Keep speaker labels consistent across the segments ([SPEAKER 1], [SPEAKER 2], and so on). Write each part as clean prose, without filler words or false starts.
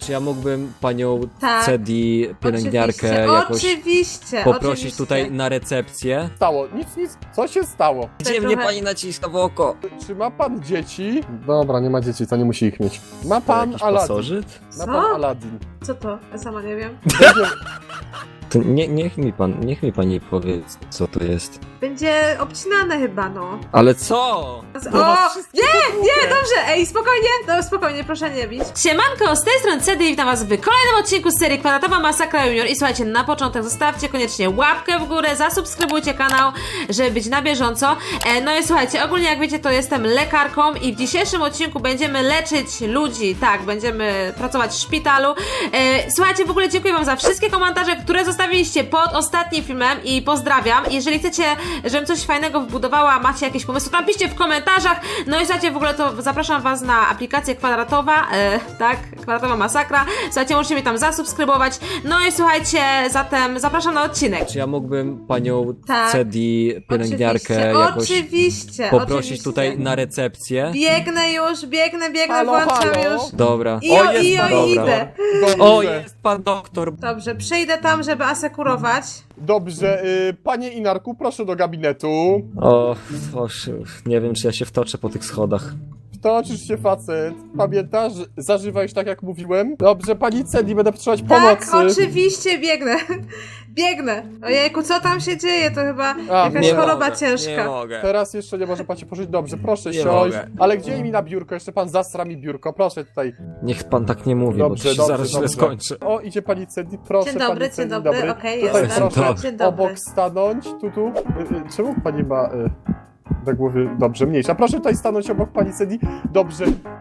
[SPEAKER 1] Czy ja mógłbym panią
[SPEAKER 2] Tak.
[SPEAKER 1] Cedi, pielęgniarkę jakoś
[SPEAKER 2] Oczywiście,
[SPEAKER 1] poprosić
[SPEAKER 2] oczywiście.
[SPEAKER 1] tutaj na recepcję?
[SPEAKER 3] Stało, nic, co się stało?
[SPEAKER 1] Gdzie
[SPEAKER 2] trochę-
[SPEAKER 1] mnie pani naciska w oko?
[SPEAKER 3] Czy ma pan dzieci? Dobra, nie ma dzieci, to nie musi ich mieć. Ma pan
[SPEAKER 1] Jakiś
[SPEAKER 3] Aladdin.
[SPEAKER 1] pasożyt?
[SPEAKER 3] Ma
[SPEAKER 2] Co?
[SPEAKER 3] pan Aladdin.
[SPEAKER 2] Co to? Ja sama nie wiem.
[SPEAKER 3] Będzie...
[SPEAKER 1] To niech mi pani powie, co to jest.
[SPEAKER 2] Będzie obcinane chyba, no.
[SPEAKER 1] Ale co?
[SPEAKER 2] O!
[SPEAKER 3] wszystkie
[SPEAKER 2] Nie, dobrze, ej, spokojnie, no spokojnie, proszę nie bić. Siemanko, z tej strony Cedy i witam was w kolejnym odcinku z serii Kwadratowa Masakra Junior. I słuchajcie, na początek zostawcie koniecznie łapkę w górę, zasubskrybujcie kanał, żeby być na bieżąco. No i słuchajcie, ogólnie jak wiecie, to jestem lekarką i w dzisiejszym odcinku będziemy leczyć ludzi, tak, będziemy pracować w szpitalu. Słuchajcie, w ogóle dziękuję wam za wszystkie komentarze, które zostawiliście pod ostatnim filmem i pozdrawiam. Jeżeli chcecie, żebym coś fajnego wbudowała, macie jakieś pomysły, to napiszcie w komentarzach. No i słuchajcie, w ogóle to zapraszam was na aplikację Kwadratowa, tak, Kwadratowa Masakra. Słuchajcie, możecie mnie tam zasubskrybować. No i słuchajcie, zatem zapraszam na odcinek.
[SPEAKER 1] Czy ja mógłbym panią
[SPEAKER 2] Tak.
[SPEAKER 1] Cedi, pielęgniarkę jakoś
[SPEAKER 2] Oczywiście,
[SPEAKER 1] poprosić
[SPEAKER 2] oczywiście.
[SPEAKER 1] tutaj na recepcję?
[SPEAKER 2] Biegnę już, biegnę,
[SPEAKER 3] Halo,
[SPEAKER 2] włączam
[SPEAKER 3] halo?
[SPEAKER 2] już.
[SPEAKER 1] Dobra.
[SPEAKER 2] Idę.
[SPEAKER 3] Dobrze.
[SPEAKER 1] O, jest pan doktor.
[SPEAKER 2] Dobrze, przyjdę tam, żeby asekurować.
[SPEAKER 3] Dobrze, panie Inarku, proszę do gabinetu.
[SPEAKER 1] O, nie wiem, czy ja się wtoczę po tych schodach.
[SPEAKER 3] Wtoczysz się, facet. Pamiętasz? Zażywałeś tak, jak mówiłem? Dobrze, pani Cedi, będę potrzebować
[SPEAKER 2] Tak,
[SPEAKER 3] pomocy.
[SPEAKER 2] oczywiście, biegnę. Biegnę. Ojejku, co tam się dzieje? To chyba jakaś
[SPEAKER 1] nie
[SPEAKER 2] choroba
[SPEAKER 1] mogę,
[SPEAKER 2] ciężka.
[SPEAKER 1] Nie mogę.
[SPEAKER 3] Teraz jeszcze nie może pan się położyć. Dobrze, proszę
[SPEAKER 1] Nie
[SPEAKER 3] siąść.
[SPEAKER 1] mogę.
[SPEAKER 3] Ale gdzie mi na biurko? Jeszcze pan zasra mi biurko. Proszę tutaj.
[SPEAKER 1] Niech pan tak nie mówi,
[SPEAKER 3] Dobrze,
[SPEAKER 1] bo to się
[SPEAKER 3] dobrze,
[SPEAKER 1] zaraz źle
[SPEAKER 3] dobrze.
[SPEAKER 1] skończy.
[SPEAKER 3] O, idzie pani Cedi, proszę.
[SPEAKER 2] Dzień dobry,
[SPEAKER 3] pani
[SPEAKER 2] dzień
[SPEAKER 3] Cedi,
[SPEAKER 2] dobry. Okej,
[SPEAKER 3] Tutaj
[SPEAKER 2] jestem.
[SPEAKER 3] proszę
[SPEAKER 2] Dzień dobry.
[SPEAKER 3] obok stanąć. Tu. Czemu pani ma na głowie? Dobrze, mniejsza. Proszę tutaj stanąć obok pani Cedi. Dobrze.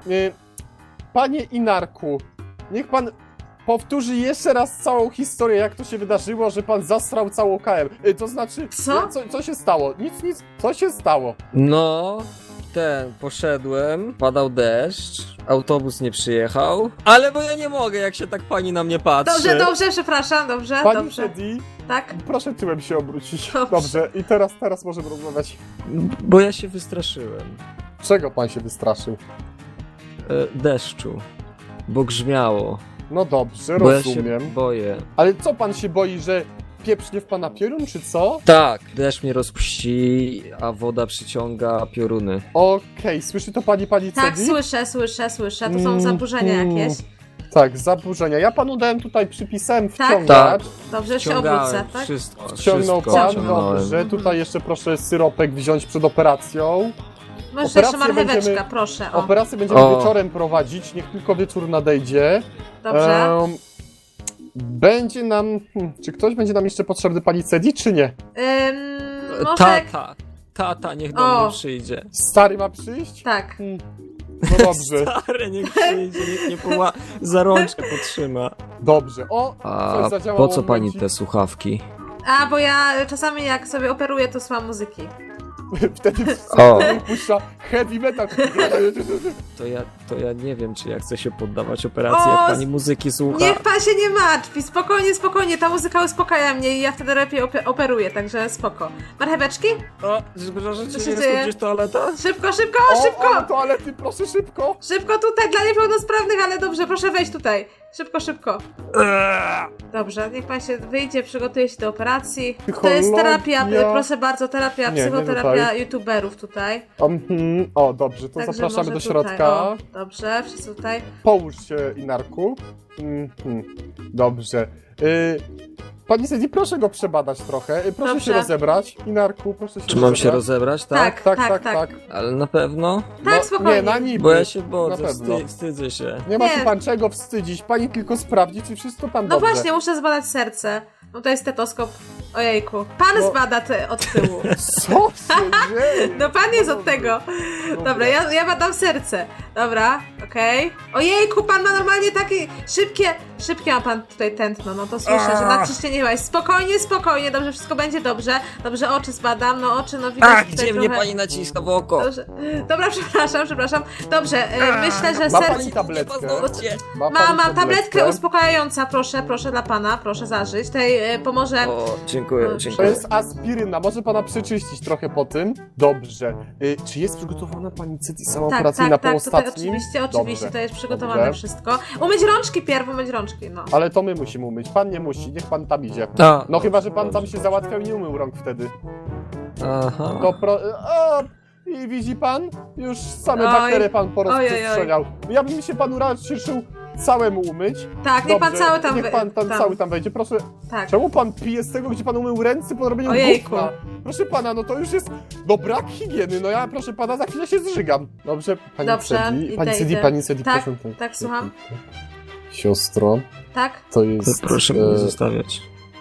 [SPEAKER 3] Panie Inarku, niech pan powtórzy jeszcze raz całą historię, jak to się wydarzyło, że pan zasrał całą KM. To znaczy,
[SPEAKER 2] Co?
[SPEAKER 3] Co się stało? Nic, co się stało?
[SPEAKER 1] No, poszedłem, padał deszcz, autobus nie przyjechał, ale bo ja nie mogę, jak się tak pani na mnie patrzy.
[SPEAKER 2] Dobrze, przepraszam, dobrze,
[SPEAKER 3] Pani
[SPEAKER 2] dobrze.
[SPEAKER 3] Cedi,
[SPEAKER 2] Tak?
[SPEAKER 3] proszę tyłem się obrócić.
[SPEAKER 2] Dobrze.
[SPEAKER 3] Dobrze, i teraz możemy rozmawiać.
[SPEAKER 1] Bo ja się wystraszyłem.
[SPEAKER 3] Czego pan się wystraszył?
[SPEAKER 1] Deszczu, bo grzmiało,
[SPEAKER 3] No dobrze,
[SPEAKER 1] bo ja
[SPEAKER 3] rozumiem.
[SPEAKER 1] się boję.
[SPEAKER 3] Ale co pan się boi, że pieprznie w pana piorun, czy co?
[SPEAKER 1] Tak, deszcz mnie rozpuści, a woda przyciąga pioruny.
[SPEAKER 3] Okej, słyszy to pani
[SPEAKER 2] Tak,
[SPEAKER 3] Cedi?
[SPEAKER 2] słyszę. To są zaburzenia jakieś.
[SPEAKER 3] Tak, zaburzenia. Ja panu dałem tutaj, przypisałem
[SPEAKER 2] Tak?
[SPEAKER 3] wciągacz.
[SPEAKER 2] Dobrze, już się
[SPEAKER 1] Wciągałem
[SPEAKER 2] obrócę, tak?
[SPEAKER 1] wszystko,
[SPEAKER 3] Wciągnął
[SPEAKER 1] wszystko
[SPEAKER 3] pan,
[SPEAKER 1] wciągnąłem.
[SPEAKER 3] dobrze. Tutaj jeszcze proszę syropek wziąć przed operacją.
[SPEAKER 2] Może jeszcze
[SPEAKER 3] Operację
[SPEAKER 2] marcheweczka,
[SPEAKER 3] będziemy-
[SPEAKER 2] proszę. O,
[SPEAKER 3] Operację będziemy
[SPEAKER 1] O.
[SPEAKER 3] wieczorem prowadzić, niech tylko wieczór nadejdzie.
[SPEAKER 2] dobrze.
[SPEAKER 3] Będzie nam... czy ktoś będzie nam jeszcze potrzebny pani Cedi, czy nie?
[SPEAKER 2] Może...
[SPEAKER 1] Tata niech do
[SPEAKER 2] O.
[SPEAKER 1] mnie przyjdzie.
[SPEAKER 3] Stary ma przyjść?
[SPEAKER 2] Tak.
[SPEAKER 3] No dobrze,
[SPEAKER 1] Stary niech przyjdzie, niech mnie za rączkę potrzyma.
[SPEAKER 3] dobrze. O,
[SPEAKER 1] A
[SPEAKER 3] coś zadziałało.
[SPEAKER 1] po co pani
[SPEAKER 3] momencik.
[SPEAKER 1] te słuchawki?
[SPEAKER 2] A, bo ja czasami jak sobie operuję, to słucham muzyki.
[SPEAKER 3] Wtedy
[SPEAKER 1] O.
[SPEAKER 3] puszcza heavy metal.
[SPEAKER 1] To ja nie wiem, czy ja chcę się poddawać operacji, jak
[SPEAKER 2] O,
[SPEAKER 1] pani muzyki słucha.
[SPEAKER 2] Niech pan się nie martwi, spokojnie, ta muzyka uspokaja mnie i ja wtedy lepiej operuję, także spoko. Marcheweczki?
[SPEAKER 1] O, przepraszam,
[SPEAKER 2] Co
[SPEAKER 1] czy
[SPEAKER 2] się
[SPEAKER 1] jest
[SPEAKER 2] dzieje?
[SPEAKER 1] tu gdzieś toaleta?
[SPEAKER 2] Szybko!
[SPEAKER 3] O, ale toalety, proszę szybko.
[SPEAKER 2] Szybko tutaj, dla niepełnosprawnych, ale dobrze, proszę wejść tutaj. Szybko. Dobrze, niech pan się wyjdzie, przygotuje się do operacji. To jest
[SPEAKER 3] Psychologia.
[SPEAKER 2] terapia, proszę bardzo, terapia,
[SPEAKER 3] Nie
[SPEAKER 2] psychoterapia
[SPEAKER 3] tutaj.
[SPEAKER 2] youtuberów tutaj.
[SPEAKER 3] O, dobrze, to
[SPEAKER 2] Także
[SPEAKER 3] zapraszamy
[SPEAKER 2] może
[SPEAKER 3] do
[SPEAKER 2] tutaj,
[SPEAKER 3] środka.
[SPEAKER 2] o, dobrze, wszyscy tutaj.
[SPEAKER 3] Połóż się, Inarku. Dobrze. Pani Cedi, proszę go przebadać trochę. Proszę
[SPEAKER 2] Dobrze.
[SPEAKER 3] się rozebrać. Inarku, proszę się
[SPEAKER 1] Czy mam się
[SPEAKER 3] rozebrać.
[SPEAKER 1] rozebrać, tak?
[SPEAKER 3] Tak.
[SPEAKER 1] Ale na pewno?
[SPEAKER 2] Tak, spokojnie.
[SPEAKER 3] Nie, na niby.
[SPEAKER 1] Bo ja się
[SPEAKER 3] Na
[SPEAKER 1] boję,
[SPEAKER 3] pewno.
[SPEAKER 1] wstydzę się.
[SPEAKER 3] Nie ma
[SPEAKER 2] Nie.
[SPEAKER 3] się pan czego wstydzić. Pani tylko sprawdzi, czy wszystko tam
[SPEAKER 2] No
[SPEAKER 3] dobrze.
[SPEAKER 2] właśnie, muszę zbadać serce. No to jest stetoskop. Ojejku. Pan
[SPEAKER 3] No.
[SPEAKER 2] zbada od tyłu.
[SPEAKER 3] Co się dzieje?
[SPEAKER 2] No pan jest od tego. Dobra, ja badam serce. Dobra, okej. Ojejku, pan ma normalnie takie szybkie ma pan tutaj tętno, no to słyszę, że nadciśnienie chyba jest. Spokojnie, dobrze, wszystko będzie dobrze. Dobrze, oczy zbadam, no oczy, no widać
[SPEAKER 1] A,
[SPEAKER 2] tutaj
[SPEAKER 1] gdzie mnie
[SPEAKER 2] trochę...
[SPEAKER 1] pani naciska w oko?
[SPEAKER 2] Dobrze. Dobra, przepraszam. Dobrze, myślę, że
[SPEAKER 3] Ma
[SPEAKER 2] serce...
[SPEAKER 3] pani tabletkę?
[SPEAKER 1] Paznokcie.
[SPEAKER 2] Mam tabletkę uspokajająca, proszę dla pana, proszę zażyć. Tutaj pomoże...
[SPEAKER 1] O, dziękuję.
[SPEAKER 3] To jest aspiryna, może pana przeczyścić trochę po tym. Dobrze. Czy jest przygotowana pani Cedi sama operacyjna po
[SPEAKER 2] tutaj
[SPEAKER 3] ostatnim?
[SPEAKER 2] oczywiście. oczywiście,
[SPEAKER 3] Dobrze.
[SPEAKER 2] to jest przygotowane
[SPEAKER 3] Dobrze.
[SPEAKER 2] wszystko. Umyć rączki pierw, umyć rączki, no.
[SPEAKER 3] Ale to my musimy umyć. Pan nie musi, niech pan tam idzie.
[SPEAKER 1] A,
[SPEAKER 3] No chyba, że pan
[SPEAKER 1] dobrze.
[SPEAKER 3] tam się załatwiał i nie umył rąk wtedy.
[SPEAKER 1] Aha.
[SPEAKER 3] To o, i widzi pan? Już same
[SPEAKER 2] Oj.
[SPEAKER 3] bakterie pan
[SPEAKER 2] Ojej,
[SPEAKER 3] porozprzestrzeniał. Ja bym się panu raczył całemu umyć.
[SPEAKER 2] Tak, niech pan
[SPEAKER 3] Dobrze,
[SPEAKER 2] cały tam...
[SPEAKER 3] niech pan tam cały tam wejdzie. Proszę,
[SPEAKER 2] Tak.
[SPEAKER 3] czemu pan pije z tego, gdzie pan umył ręce po robieniu
[SPEAKER 2] Ojejku.
[SPEAKER 3] gówna? Proszę pana, no to już jest... No brak higieny, no ja proszę pana za chwilę się zżygam. Dobrze, pani
[SPEAKER 2] Dobrze,
[SPEAKER 3] Cedi,
[SPEAKER 2] idę,
[SPEAKER 3] pani Cedi,
[SPEAKER 2] idę.
[SPEAKER 3] pani Cedi,
[SPEAKER 2] Tak,
[SPEAKER 3] proszę.
[SPEAKER 2] tak, słucham.
[SPEAKER 3] Siostro,
[SPEAKER 2] Tak?
[SPEAKER 3] to jest...
[SPEAKER 1] Proszę mnie nie zostawiać.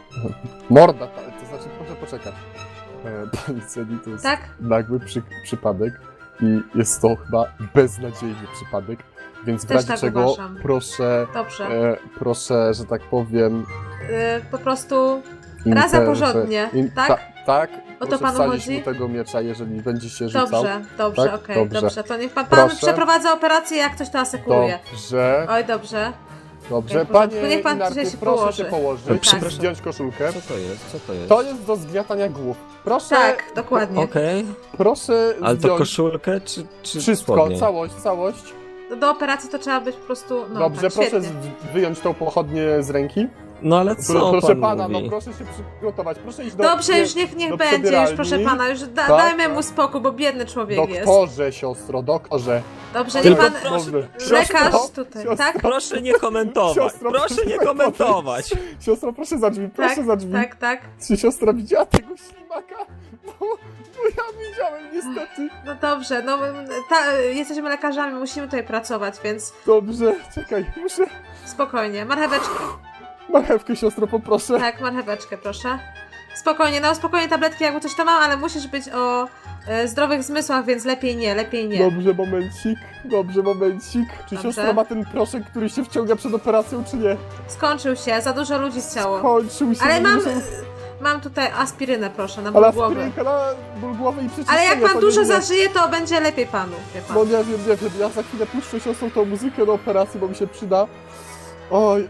[SPEAKER 3] Morda, to znaczy proszę poczekać. Pani Cedi, to jest
[SPEAKER 2] Tak?
[SPEAKER 3] nagły przypadek i jest to chyba beznadziejny przypadek, więc w
[SPEAKER 2] Też
[SPEAKER 3] razie
[SPEAKER 2] tak
[SPEAKER 3] czego
[SPEAKER 2] uważam.
[SPEAKER 3] proszę,
[SPEAKER 2] Dobrze.
[SPEAKER 3] proszę, że tak powiem...
[SPEAKER 2] Po prostu raza porządnie, tak?
[SPEAKER 3] Tak,
[SPEAKER 2] O to
[SPEAKER 3] proszę
[SPEAKER 2] panu
[SPEAKER 3] wsadzić
[SPEAKER 2] chodzi?
[SPEAKER 3] mu tego miecza, jeżeli będzie się rzucał.
[SPEAKER 2] Dobrze, dobrze,
[SPEAKER 3] Tak?
[SPEAKER 2] okej,
[SPEAKER 3] Dobrze.
[SPEAKER 2] dobrze. To niech pan
[SPEAKER 3] Proszę.
[SPEAKER 2] przeprowadza operację, jak ktoś to asekuruje.
[SPEAKER 3] Dobrze,
[SPEAKER 2] Oj, dobrze.
[SPEAKER 3] dobrze.
[SPEAKER 2] w porządku.
[SPEAKER 3] Panie
[SPEAKER 2] Niech pan
[SPEAKER 3] Inarku,
[SPEAKER 2] dzisiaj się
[SPEAKER 3] proszę
[SPEAKER 2] położy.
[SPEAKER 3] się położyć,
[SPEAKER 1] Przepraszam.
[SPEAKER 3] zdjąć koszulkę.
[SPEAKER 1] Co to jest? Co to jest?
[SPEAKER 3] To jest do zgniatania głów. Proszę,
[SPEAKER 2] Tak, dokładnie.
[SPEAKER 1] Okej.
[SPEAKER 3] proszę
[SPEAKER 1] Ale to
[SPEAKER 3] zdjąć
[SPEAKER 1] koszulkę czy
[SPEAKER 3] wszystko,
[SPEAKER 1] spodnie?
[SPEAKER 3] całość.
[SPEAKER 2] Do operacji to trzeba być po prostu, no
[SPEAKER 3] Dobrze,
[SPEAKER 2] tak,
[SPEAKER 3] proszę
[SPEAKER 2] świetnie.
[SPEAKER 3] wyjąć tą pochodnię z ręki.
[SPEAKER 1] No ale co
[SPEAKER 3] Proszę
[SPEAKER 1] pan
[SPEAKER 3] pana,
[SPEAKER 1] mówi?
[SPEAKER 3] no proszę się przygotować. Proszę iść do...
[SPEAKER 2] Dobrze, już niech
[SPEAKER 3] do
[SPEAKER 2] będzie, już
[SPEAKER 3] przebieralni.
[SPEAKER 2] proszę pana, już
[SPEAKER 3] Tak,
[SPEAKER 2] dajmy mu
[SPEAKER 3] tak.
[SPEAKER 2] spokój, bo biedny człowiek jest.
[SPEAKER 3] Doktorze, siostro, doktorze.
[SPEAKER 2] Dobrze, niech
[SPEAKER 1] Tylko
[SPEAKER 2] pan,
[SPEAKER 3] Dobrze.
[SPEAKER 2] lekarz
[SPEAKER 3] Siostro,
[SPEAKER 2] tutaj,
[SPEAKER 3] siostro,
[SPEAKER 2] tak?
[SPEAKER 1] Proszę nie komentować.
[SPEAKER 3] Siostro,
[SPEAKER 1] Proszę nie
[SPEAKER 3] proszę
[SPEAKER 1] komentować.
[SPEAKER 3] Siostro, proszę za drzwi, proszę
[SPEAKER 2] Tak,
[SPEAKER 3] za drzwi.
[SPEAKER 2] tak, tak.
[SPEAKER 3] Czy siostra widziała tego ślimaka? Bo ja widziałem niestety.
[SPEAKER 2] No dobrze, no jesteśmy lekarzami, musimy tutaj pracować, więc
[SPEAKER 3] Dobrze, czekaj, muszę...
[SPEAKER 2] spokojnie. Marcheweczkę,
[SPEAKER 3] Marchewkę, siostro, poproszę.
[SPEAKER 2] tak, marcheweczkę, proszę. Spokojnie, no spokojnie, tabletki jakby coś tam mam, ale musisz być o zdrowych zmysłach, więc lepiej nie, lepiej nie.
[SPEAKER 3] Dobrze, momencik. Czy
[SPEAKER 2] Dobrze.
[SPEAKER 3] siostra ma ten proszek, który się wciąga przed operacją, czy nie?
[SPEAKER 2] Skończył się, za dużo ludzi chciało.
[SPEAKER 3] Skończył się.
[SPEAKER 2] Ale
[SPEAKER 3] no
[SPEAKER 2] mam,
[SPEAKER 3] muszę-
[SPEAKER 2] mam tutaj aspirynę, proszę, na ból
[SPEAKER 3] Ale
[SPEAKER 2] głowy.
[SPEAKER 3] aspirynka na ból głowy i przeczyszczenie.
[SPEAKER 2] Ale jak pan
[SPEAKER 3] to
[SPEAKER 2] dużo
[SPEAKER 3] nie-
[SPEAKER 2] zażyje, to będzie lepiej panu, wie pan.
[SPEAKER 3] No nie wiem, ja za chwilę puszczę siostrą tą muzykę do operacji, bo mi się przyda. Oj.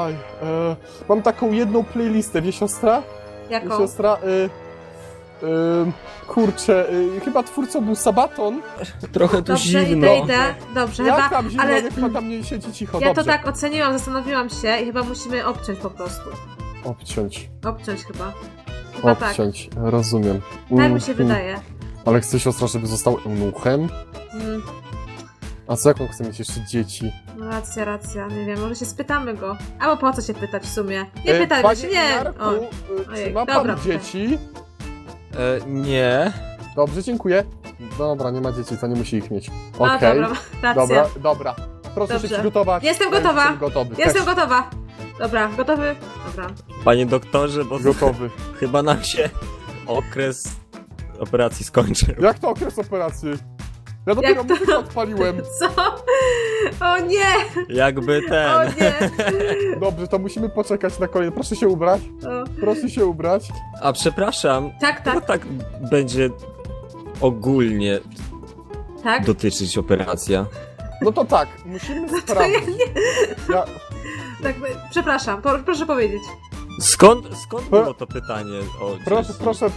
[SPEAKER 3] Mam taką jedną playlistę, wie siostra?
[SPEAKER 2] Jaką?
[SPEAKER 3] Siostra, kurczę, chyba twórcą był Sabaton.
[SPEAKER 1] Trochę tu
[SPEAKER 2] Dobrze,
[SPEAKER 1] zimno.
[SPEAKER 2] idę. Dobrze,
[SPEAKER 3] Jak
[SPEAKER 2] chyba,
[SPEAKER 3] tam zimno,
[SPEAKER 2] ale
[SPEAKER 3] niech pan tam nie siedzi cicho,
[SPEAKER 2] ja
[SPEAKER 3] dobrze.
[SPEAKER 2] to tak oceniłam, zastanowiłam się i chyba musimy obciąć po prostu.
[SPEAKER 3] Obciąć,
[SPEAKER 2] Obciąć chyba. Chyba tak.
[SPEAKER 3] rozumiem.
[SPEAKER 2] Tak mi się wydaje.
[SPEAKER 3] Ale chce siostra, żeby został eunuchem?
[SPEAKER 2] Mm,
[SPEAKER 3] A co jak on chce mieć jeszcze dzieci?
[SPEAKER 2] no racja, nie wiem, może się spytamy go. Albo po co się pytać w sumie? Nie pytajmy
[SPEAKER 3] Panie
[SPEAKER 2] się, nie.
[SPEAKER 3] Inarku,
[SPEAKER 2] O,
[SPEAKER 3] czy
[SPEAKER 2] ojej,
[SPEAKER 3] ma pan
[SPEAKER 2] dobra.
[SPEAKER 3] dzieci?
[SPEAKER 1] Nie.
[SPEAKER 3] Dobrze, dziękuję. Dobra, nie ma dzieci, to nie musi ich mieć.
[SPEAKER 2] No
[SPEAKER 3] Okej,
[SPEAKER 2] dobra, racja.
[SPEAKER 3] dobra. Proszę
[SPEAKER 2] Dobrze.
[SPEAKER 3] się przygotować.
[SPEAKER 2] Jestem
[SPEAKER 3] Ja
[SPEAKER 2] gotowa.
[SPEAKER 3] Jestem gotowy.
[SPEAKER 2] Jestem
[SPEAKER 3] Też
[SPEAKER 2] gotowa. Dobra, gotowy? Dobra.
[SPEAKER 1] Panie doktorze, bo
[SPEAKER 3] gotowy.
[SPEAKER 1] chyba nam się okres operacji skończył.
[SPEAKER 3] Jak to okres operacji? Ja dopiero
[SPEAKER 2] to?
[SPEAKER 3] muzykę odpaliłem.
[SPEAKER 2] Co? O nie!
[SPEAKER 1] Jakby ten.
[SPEAKER 2] O nie!
[SPEAKER 3] Dobrze, to musimy poczekać na kolejne. Proszę się ubrać.
[SPEAKER 2] O.
[SPEAKER 3] Proszę się ubrać.
[SPEAKER 1] A przepraszam,
[SPEAKER 2] Tak,
[SPEAKER 1] to
[SPEAKER 2] tak,
[SPEAKER 1] tak będzie ogólnie
[SPEAKER 2] tak.
[SPEAKER 1] dotyczyć operacja.
[SPEAKER 3] No to tak, musimy sprawdzić. Ja,
[SPEAKER 2] Tak, przepraszam, proszę powiedzieć.
[SPEAKER 1] Skąd było to pytanie o dzieci?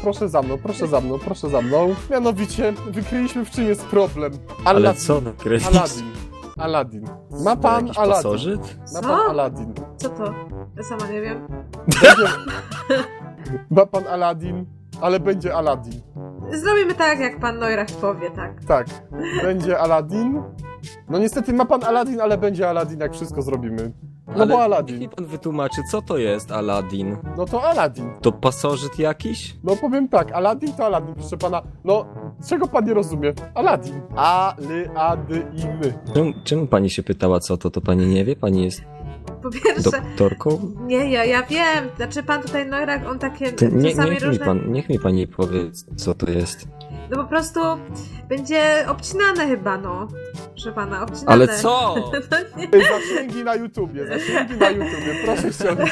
[SPEAKER 3] proszę za mną. Mianowicie, wykryliśmy w czym jest problem.
[SPEAKER 1] Ale co nakreślić?
[SPEAKER 3] Aladdin. Ma pan
[SPEAKER 1] Jakiś
[SPEAKER 3] Aladdin.
[SPEAKER 1] pasożyt?
[SPEAKER 3] Ma
[SPEAKER 2] Co?
[SPEAKER 3] pan Aladdin.
[SPEAKER 2] Co to? Ja sama nie wiem.
[SPEAKER 3] Będzie... Ma pan Aladdin, ale będzie Aladdin.
[SPEAKER 2] Zrobimy tak, jak pan Neurach powie, tak.
[SPEAKER 3] Tak, będzie Aladdin. No niestety ma pan Aladdin, ale będzie Aladdin, jak wszystko zrobimy. No
[SPEAKER 1] Ale
[SPEAKER 3] bo
[SPEAKER 1] niech
[SPEAKER 3] Aladdin.
[SPEAKER 1] mi pan wytłumaczy, co to jest Aladdin?
[SPEAKER 3] No to Aladdin.
[SPEAKER 1] To pasożyt jakiś?
[SPEAKER 3] No powiem tak, Aladdin to Aladdin, proszę pana. No, czego pan nie rozumie? Aladdin. A-ly-a-dy-i-my.
[SPEAKER 1] Czemu pani się pytała, co to? To pani nie wie? Pani jest
[SPEAKER 2] Po pierwsze,
[SPEAKER 1] doktorką?
[SPEAKER 2] nie, ja wiem. Znaczy pan tutaj Neurach, on takie
[SPEAKER 1] To
[SPEAKER 2] czasami różne...
[SPEAKER 1] niech mi pani powie, co to jest.
[SPEAKER 2] No po prostu będzie obcinane chyba, no. Proszę pana, obcinane.
[SPEAKER 1] Ale co?
[SPEAKER 2] No nie.
[SPEAKER 3] Zasięgi na YouTubie, proszę ściągnąć.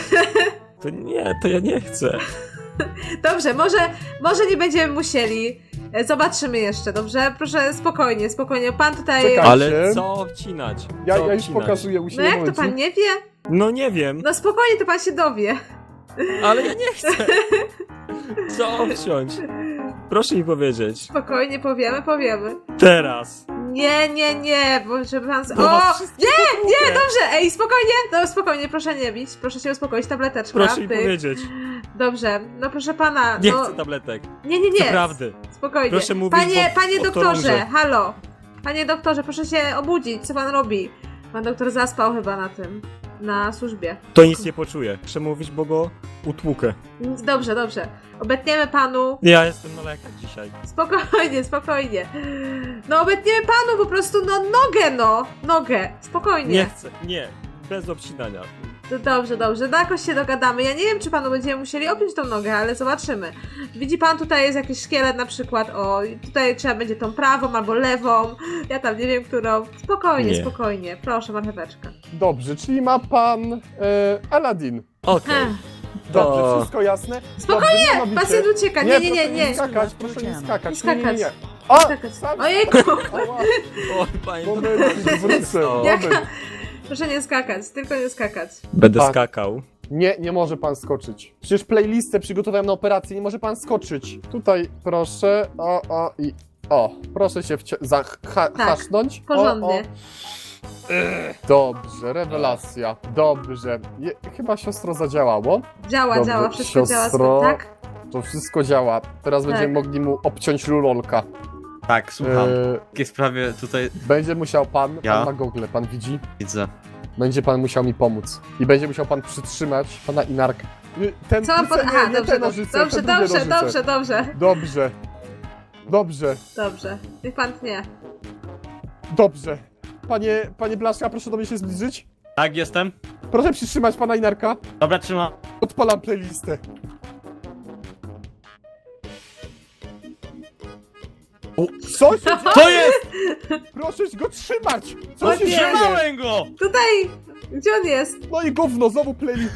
[SPEAKER 1] To ja nie chcę.
[SPEAKER 2] Dobrze, może nie będziemy musieli. Zobaczymy jeszcze, dobrze? Proszę, spokojnie. Pan tutaj...
[SPEAKER 3] Czekaj.
[SPEAKER 1] Ale co obcinać?
[SPEAKER 3] Ja
[SPEAKER 1] Co
[SPEAKER 3] już
[SPEAKER 1] obcinać?
[SPEAKER 3] pokazuję u siebie.
[SPEAKER 2] No jak to
[SPEAKER 3] momencik.
[SPEAKER 2] pan nie wie?
[SPEAKER 1] No nie wiem,
[SPEAKER 2] No spokojnie, to pan się dowie.
[SPEAKER 1] ale ja nie chcę. Co obciąć? Proszę mi powiedzieć.
[SPEAKER 2] Spokojnie, powiemy.
[SPEAKER 1] Teraz.
[SPEAKER 2] Nie, bo żeby pan...
[SPEAKER 3] No,
[SPEAKER 2] O!
[SPEAKER 3] wszystkie
[SPEAKER 2] Nie, dobrze, ej, spokojnie, no spokojnie, proszę nie bić, proszę się uspokoić, tableteczka.
[SPEAKER 1] Proszę mi
[SPEAKER 2] pyk.
[SPEAKER 1] powiedzieć.
[SPEAKER 2] Dobrze, no proszę pana,
[SPEAKER 1] Nie
[SPEAKER 2] no...
[SPEAKER 1] chcę tabletek.
[SPEAKER 2] Nie,
[SPEAKER 1] Naprawdę.
[SPEAKER 2] spokojnie.
[SPEAKER 1] Proszę mówić,
[SPEAKER 2] Panie
[SPEAKER 1] bo to
[SPEAKER 2] doktorze,
[SPEAKER 1] róże.
[SPEAKER 2] halo. Panie doktorze, proszę się obudzić, co pan robi? Pan doktor zaspał chyba na tym, na służbie.
[SPEAKER 1] To nic nie poczuje. Muszę mówić, bo go utłukę.
[SPEAKER 2] Dobrze. Obetniemy panu.
[SPEAKER 1] Ja jestem na lekach dzisiaj.
[SPEAKER 2] Spokojnie. No obetniemy panu po prostu, no nogę. Spokojnie.
[SPEAKER 1] Nie chcę, nie. Bez obcinania.
[SPEAKER 2] Dobrze, no jakoś się dogadamy. Ja nie wiem, czy panu będziemy musieli obciąć tą nogę, ale zobaczymy. Widzi pan, tutaj jest jakiś szkielet na przykład, o, i tutaj trzeba będzie tą prawą albo lewą, ja tam nie wiem, którą.
[SPEAKER 1] Nie.
[SPEAKER 2] Spokojnie, proszę, marcheweczka.
[SPEAKER 3] Dobrze, czyli ma pan Aladdin.
[SPEAKER 1] Okej.
[SPEAKER 3] Dobrze,
[SPEAKER 1] To-
[SPEAKER 3] wszystko jasne?
[SPEAKER 2] Spokojnie,
[SPEAKER 3] Dobrze, mianowicie-
[SPEAKER 2] pacjent ucieka, nie.
[SPEAKER 3] Proszę nie skakać,
[SPEAKER 2] Nie skakać.
[SPEAKER 3] nie. O!
[SPEAKER 2] Skakać.
[SPEAKER 3] Sam-
[SPEAKER 2] Ojejku,
[SPEAKER 3] Ała,
[SPEAKER 1] Oj, panie
[SPEAKER 3] moment,
[SPEAKER 1] doktorze,
[SPEAKER 3] wrócę,
[SPEAKER 2] Jak-
[SPEAKER 3] moment.
[SPEAKER 2] proszę nie skakać, tylko nie skakać.
[SPEAKER 1] Będę
[SPEAKER 3] Tak.
[SPEAKER 1] skakał.
[SPEAKER 3] Nie może pan skoczyć. Przecież playlistę przygotowałem na operację, nie może pan skoczyć. Tutaj proszę, proszę się hasznąć.
[SPEAKER 2] Porządnie.
[SPEAKER 3] Dobrze, rewelacja. Dobrze. Chyba siostro zadziałało.
[SPEAKER 2] Działa,
[SPEAKER 3] Dobrze,
[SPEAKER 2] wszystko działa,
[SPEAKER 3] siostro.
[SPEAKER 2] tak?
[SPEAKER 3] To wszystko działa. Teraz będziemy mogli mu obciąć lulolka.
[SPEAKER 4] Tak, słucham.
[SPEAKER 3] E,
[SPEAKER 4] W takiej sprawie tutaj
[SPEAKER 3] Będzie musiał pan
[SPEAKER 4] Ja?
[SPEAKER 3] ma gogle, pan widzi?
[SPEAKER 4] widzę.
[SPEAKER 3] Będzie pan musiał mi pomóc. I będzie musiał pan przytrzymać pana Inarka. Ten,
[SPEAKER 2] Co mam pod...
[SPEAKER 3] nie,
[SPEAKER 2] Aha,
[SPEAKER 3] nie
[SPEAKER 2] dobrze,
[SPEAKER 3] te nożyce, te drugie nożyce. Dobrze.
[SPEAKER 2] Niech pan tnie.
[SPEAKER 3] Dobrze. Panie Blaszka, proszę do mnie się zbliżyć.
[SPEAKER 4] Tak, jestem.
[SPEAKER 3] Proszę przytrzymać pana Inarka.
[SPEAKER 4] Dobra, trzymam.
[SPEAKER 3] Odpalam playlistę. O, co się dzieje?
[SPEAKER 4] To jest!
[SPEAKER 3] Proszę go trzymać! Co
[SPEAKER 2] O
[SPEAKER 3] się
[SPEAKER 2] nie.
[SPEAKER 3] dzieje?
[SPEAKER 4] Trzymałem go!
[SPEAKER 2] Tutaj! Gdzie on jest?
[SPEAKER 3] No i gówno, znowu playlist.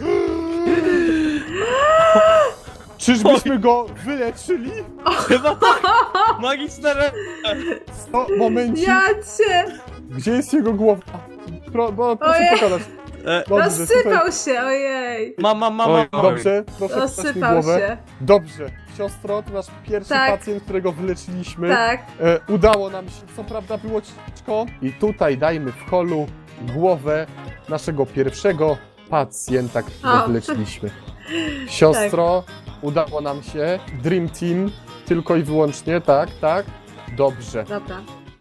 [SPEAKER 3] Czyżbyśmy go wyleczyli?
[SPEAKER 4] Chyba tak! Magiczne
[SPEAKER 3] No, momencik.
[SPEAKER 2] Ja cię!
[SPEAKER 3] Gdzie jest jego głowa? Proszę
[SPEAKER 2] Ojej.
[SPEAKER 3] pokazać. Dobrze,
[SPEAKER 2] Rozsypał się, ojej!
[SPEAKER 4] Mam.
[SPEAKER 1] Oj,
[SPEAKER 3] Dobrze, proszę pokazać mi
[SPEAKER 2] Rozsypał
[SPEAKER 3] głowę.
[SPEAKER 2] się.
[SPEAKER 3] Dobrze, siostro, to nasz pierwszy
[SPEAKER 2] Tak.
[SPEAKER 3] pacjent, którego wyleczyliśmy.
[SPEAKER 2] Tak.
[SPEAKER 3] Udało nam się, co prawda było ciężko. I tutaj dajmy w holu głowę naszego pierwszego pacjenta, którego
[SPEAKER 2] O.
[SPEAKER 3] wyleczyliśmy. Siostro, udało nam się. Dream Team, tylko i wyłącznie, tak. Dobrze.
[SPEAKER 2] Dobra.